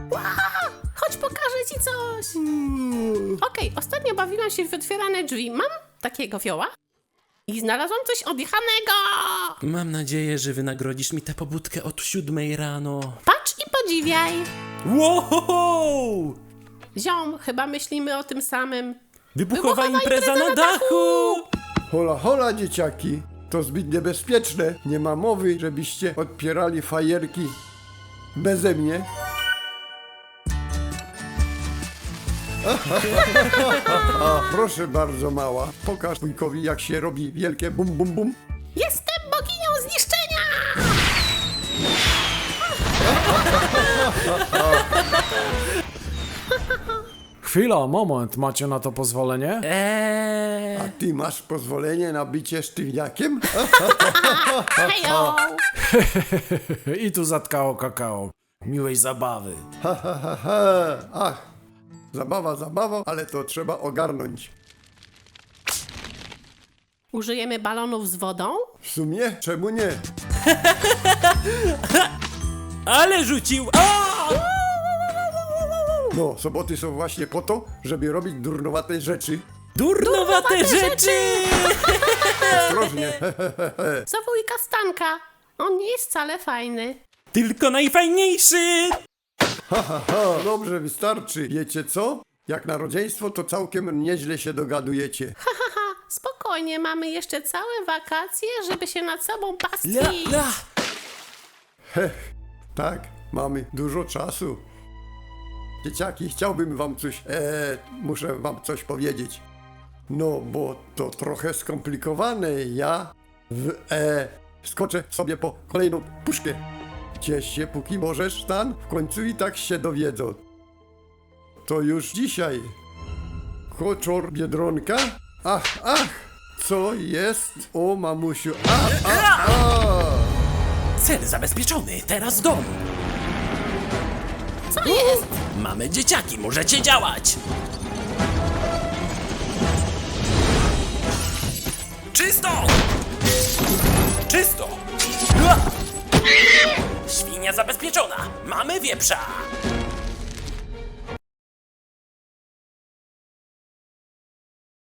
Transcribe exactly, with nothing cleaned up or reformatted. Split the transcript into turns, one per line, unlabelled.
Ła! Chodź, pokażę ci coś. Okej, okay, ostatnio bawiłam się w otwierane drzwi. Mam takiego fioła i znalazłam coś odjechanego.
Mam nadzieję, że wynagrodzisz mi tę pobudkę od siódmej rano.
Patrz i podziwiaj.
Wow!
Ziom, chyba myślimy o tym samym.
Wybuchowa,
Wybuchowa
impreza,
impreza
na
na
dachu!
Hola, hola, dzieciaki. To zbyt niebezpieczne. Nie ma mowy, żebyście odpierali fajerki beze mnie. A, proszę bardzo, mała. Pokaż wujkowi, jak się robi wielkie bum bum bum.
Jestem boginią zniszczenia!
Chwila, moment, macie na to pozwolenie?
Eee.
A ty masz pozwolenie na bycie sztywniakiem?
Hejo!
I tu zatkało kakao. Miłej zabawy.
Ha, ha, ha, ha. Ach, zabawa, zabawa, ale to trzeba ogarnąć.
Użyjemy balonów z wodą?
W sumie, czemu nie?
Ale rzucił! A!
No, soboty są właśnie po to, żeby robić durnowate rzeczy.
Durnowate rzeczy!
Ostrożnie.
Za wujka Stanka. On nie jest wcale fajny.
Tylko najfajniejszy!
Ha, ha, ha, dobrze, wystarczy. Wiecie co? Jak na rodzeństwo, to całkiem nieźle się dogadujecie.
Haha, spokojnie, mamy jeszcze całe wakacje, żeby się nad sobą
La,
pastwić.
la.
Heh, tak, mamy dużo czasu. Dzieciaki, chciałbym wam coś, e, muszę wam coś powiedzieć. No, bo to trochę skomplikowane. Ja w, e, skoczę sobie po kolejną puszkę. Ciesz się, póki możesz, Stan. W końcu i tak się dowiedzą. To już dzisiaj. Koczor Biedronka? Ach, ach, co jest? O, mamusiu, a, a, a.
Cel zabezpieczony, teraz dom.
Co jest?
Mamy dzieciaki, możecie działać! Czysto! Czysto! Ua! Świnia zabezpieczona! Mamy wieprza!